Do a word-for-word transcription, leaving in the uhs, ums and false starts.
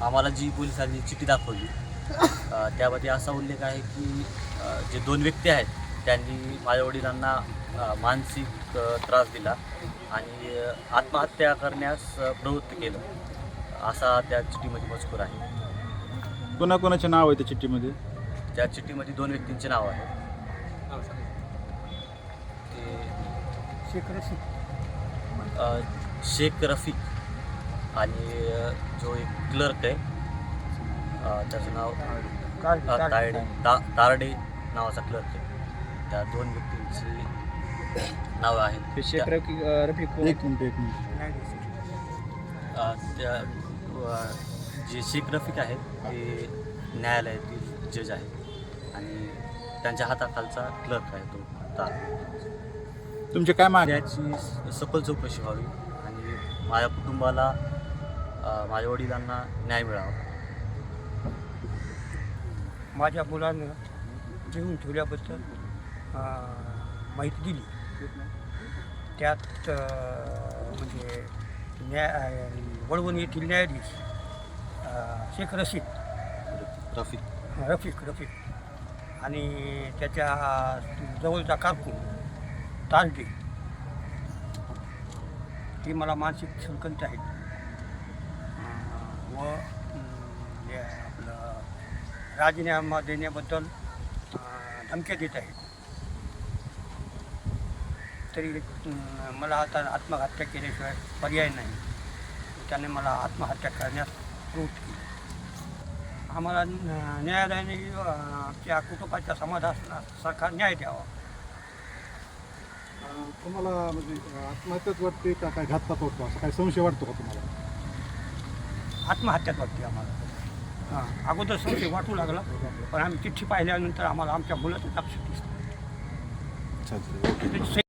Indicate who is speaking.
Speaker 1: आम्हाला जी पोलिसांनी चिठ्ठी दाखवली अ, त्यामध्ये असा उल्लेख आहे की अ, जे दोन व्यक्ती आहेत त्यांनी माझ्या वडिलांना अ, मानसिक अ, त्रास दिला आणि अ, आत्महत्या करण्यास अ, प्रवृत्त केलं असा त्या चिठ्ठीमध्ये मजकूर आहे.
Speaker 2: कोणाकोणाचे नाव आहे त्या चिठ्ठीमध्ये?
Speaker 1: त्या चिठ्ठीमध्ये दोन व्यक्तींचे नाव आहे. ते
Speaker 3: शेख रशीद
Speaker 1: अ, शेख रफीक आणि अ, जो एक क्लर्क आहे अ, त्याचं नाव
Speaker 3: काळ-
Speaker 1: अ,
Speaker 3: काळ-
Speaker 1: तायडे ता तारडे नावाचा क्लर्क आहे. त्या दोन व्यक्तींची नावं आहेत.
Speaker 4: ते शेख
Speaker 1: त्या-
Speaker 4: रफिक रफिक कोण?
Speaker 2: एक मिनिट एक मिनिट
Speaker 3: न्यायाधीश.
Speaker 1: अ, त्या अ, जे शेख रफीक आहेत ते न्यायालयातील जज आहेत आणि त्यांच्या हाताखालचा क्लर्क आहे तो तार.
Speaker 2: तुमचे काय मागणी?
Speaker 1: त्याची स- सखोल चौकशी व्हावी आणि माझ्या कुटुंबाला अ, माझ्या वडिलांना न्याय मिळावा.
Speaker 3: माझ्या मुलानं घेऊन ठेवल्याबद्दल अं, माहिती दिली. त्यात अं, म्हणजे न्याय वळवण येथील न्यायाधीश अं, शेख रशीद
Speaker 1: रफीक
Speaker 3: रफिक रफिक आणि त्याच्या जवळचा कारकून तारडे ही मला मानसिक संकट आहेत अं, व अं, हे आपलं राजीनामा देण्याबद्दल अं, धमक्या देत आहेत. तरी अं, मला आता आत्महत्या केल्याशिवाय पर्याय नाही. त्याने मला आत्महत्या करण्यास प्रवृत्त केली. आम्हाला न- न्यायालयाने अं, त्या कुटुंबाच्या समाधानासारखा न्याय द्यावा.
Speaker 5: अं, तुम्हाला म्हणजे अं, आत्महत्याच वाटते का काय घातपात होतो असं काय संशय वाटतो का तुम्हाला?
Speaker 3: आत्महत्याच वाटते आम्हाला. हां, अगोदर संशय वाटू लागला, पण आम्ही चिठ्ठी पाहिल्यानंतर आम्हाला आमच्या मुलाचं लक्ष दिसतं.
Speaker 2: अच्छा, अच्छा.
Speaker 3: ते